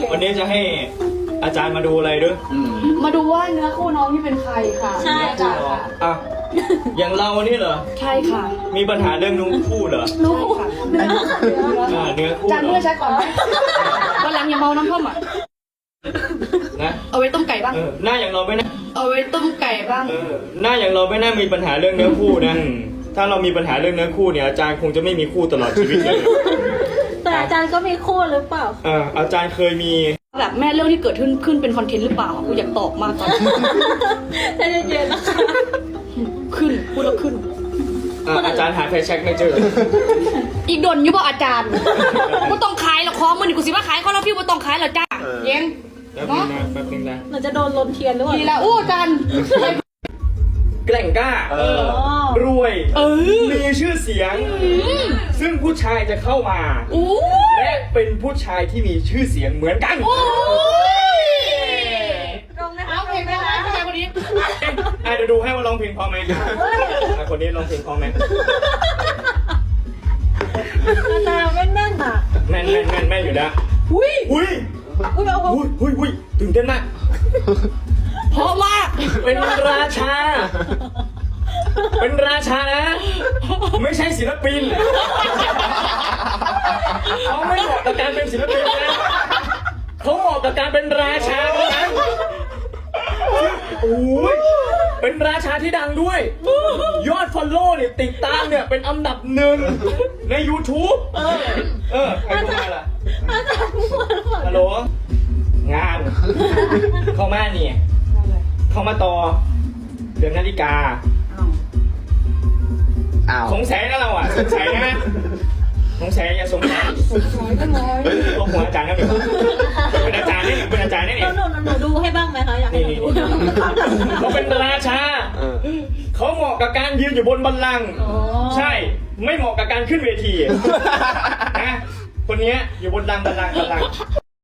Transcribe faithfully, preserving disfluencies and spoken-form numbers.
วันนี้จะให้อาจารย์มาดูอะไรด้วยมาดูว่าเนื้อคู่น้องที่เป็นใครค่ะใช่ค่ะอ่ะอย่างเรานี่เหรอใช่ค่ะมีปัญหาเรื่องนุ่งคู่เหรอรู้ค่ะเนื้ออ่าเนื้อคู่จานเหรเมื่ออใช้ก่อนไหมวันหลังอย่าเมาน้ำท่อมอ่ะนะเอาไว้ต้มไก่บ้างเออหน้าอย่างเราไม่น่าเอาไว้ต้มไก่บ้างเออหน้าอย่างเราไม่น่ามีปัญหาเรื่องเนื้อคู่นะถ้าเรามีปัญหาเรื่องเนื้อคู่เนี่ยอาจารย์คงจะไม่มีคู่ตลอดชีวิตเลยแต่อาจารย์ก็มีคู่หรือเปล่าเอออาจารย์เคยมีแบบแม่เรื่องที่เกิดขึ้นขึ้นเป็นคอนเทนต์หรือเปล่ากูอยากตอบมากตอนนี้ใจเย็นๆนะคะขึ้นพูดแล้วขึ้นอ่ะอาจารย์หาไฟแช็กไม่เจออีกดนอยู่บ่อาจารย์กูต้องขายหรอกของมันนี่กูสิว่าขายข้อละพี่กูต้องขายเหรอจ้าเย็นแป๊บนึงนะแป๊บนึงนะเราจะโดนลนเทียนหรือเปล่าดีแล้วอู้อาจารย์แกล่งกล้าอ๋อรวยเออมีชื่อเสียง ซึ่งผู้ชายจะเข้ามาอู้และเป็นผู้ชายที่มีชื่อเสียงเหมือนกันโอ้ยตรงนะคะเอาเพลงไปนะผู้ชายคนนี้อ่ะเดี๋ยวดูให้ว่าร้องเพลงพอไหมอ่ะคนนี้ร้องเพลงพอไหมอาจารย์ไม่แน่นอ่ะแม่นแม่นแม่นแม่นอยู่นะอุ้ยอุ้ยอุ้ยเอาเอาอุ้ยอุ้ยอุ้ยตื่นเต้นมากเพราะมากเป็นราชา เป็นราชานะ ไม่ใช่ศิลปินเขาไม่เหมาะกับการเป็นศิลปินนะเขาเหมาะกับการเป็นราชาเท่านั้นโอ้ยเป็นราชาที่ดังด้วย ยอดฟอลโล่เนี่ยติดตามเนี่ยเป็นอันดับหนึ่งใน YouTube เออเออใครเข้ามาล่ะอาจารย์มั่วหรือเปล่าฮัลโหลงานเข้ามานี่เข้ามาต่อเดือนนาฬิกาอ้าวสงสัยนะเราอ่ะสงสัยนะสงสัยอย่าสงสัยน้อยก็น้อยตัวหัวอาจารย์นะเป็นอาจารย์นี่เป็นอาจารย์นี่เราหนูหนูดูให้บ้างไหมคะอยากให้นี่หนูนี่ดูเขาเป็นราชาเออเขาเหมาะกับการยืนอยู่บนบัลลังก์ใช่ ไม่เหมาะกับการขึ้นเวทีนะคนนี้อยู่บนดังบัลลังก์บัลลังก์